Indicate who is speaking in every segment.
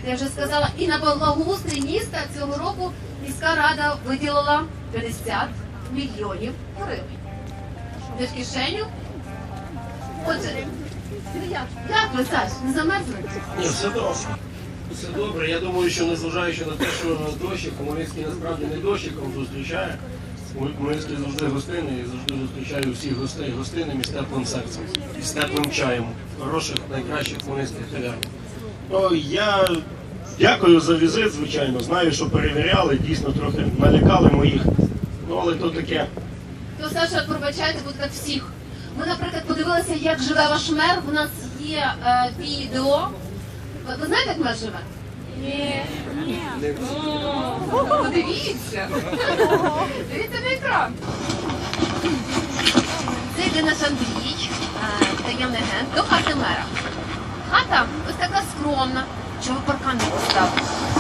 Speaker 1: знаєте, я вже сказала, і на благоустрій міста цього року міська рада виділила 50 мільйонів гривень. Де в кишеню? Отже, як ви, Саш, не замерзли?
Speaker 2: Ні, все добре. Все добре. Я думаю, що незважаючи на те, що дощик, Хмельницький насправді не дощиком зустрічає. Хмельницький завжди гостинний і завжди зустрічає усіх гостей гостинним і з теплим серцем, і з теплим чаєм, хороших, найкращих хмельницьких кав'ярень. Ну, я дякую за візит, звичайно. Знаю, що перевіряли, дійсно трохи налякали моїх. Ну, але то таке.
Speaker 1: То, Саша, пробачайте, будь як всіх. Ми, наприклад, подивилися, як живе ваш мер. У нас є відео. Ви знаєте, як мер живе? Ні. Подивіться. Дивіться на екран. Це йде наш Андрій, таємний агент, до хати мера. Хата ось така скромна. Чого паркан не поставили?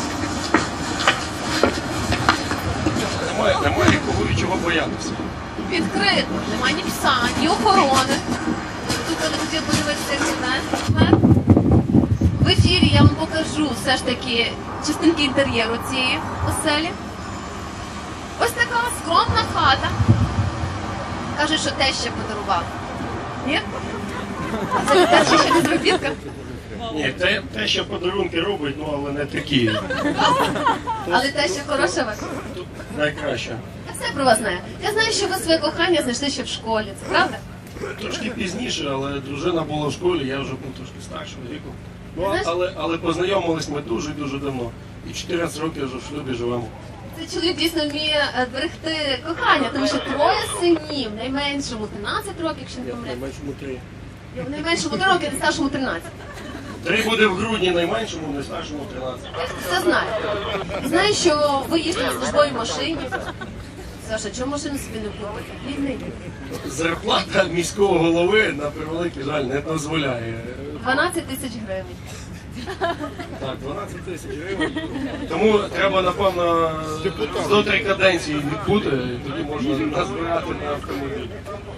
Speaker 2: Немає кого і чого боятися.
Speaker 1: Відкрито. Немає ні пса, ні охорони. Тут я хотів подивитися, як живе мер. В ефірі я вам покажу все ж таки частинки інтер'єру цієї оселі. Ось така скромна хата. Кажуть, що теща подарувала. Ні? А це теща ще не зробітка?
Speaker 2: Ні, те, що подарунки робить, ну але не такі.
Speaker 1: Але теща хороша вас?
Speaker 2: Найкраще.
Speaker 1: Я все про вас знаю. Я знаю, що ви своє кохання знайшли ще в школі. Це правда?
Speaker 2: Трошки пізніше, але дружина була в школі, я вже був трошки старшого віку. Ну,
Speaker 1: Знаєш-
Speaker 2: але познайомились ми дуже-дуже давно. І 14 років вже в шлюбі живемо.
Speaker 1: Цей чоловік дійсно вміє берегти кохання, тому що троє синів, найменшому 13 років, якщо не помиляюсь.
Speaker 2: Найменшому 3.
Speaker 1: Найменшому 3 роки, найстаршому 13.
Speaker 2: 3 буде в грудні, найменшому, найстаршому 13.
Speaker 1: Я все знаю. Знаю, що ви їздите на службовій машині. Саша, чому машину собі не купити? Бідний.
Speaker 2: Зарплата міського голови, на превеликий жаль, не дозволяє.
Speaker 1: 12 тисяч гривень.
Speaker 2: Так, 12 тисяч гривень. Тому треба, напевно, до 3 каденції відбути, і тоді можна назбирати на автомобіль.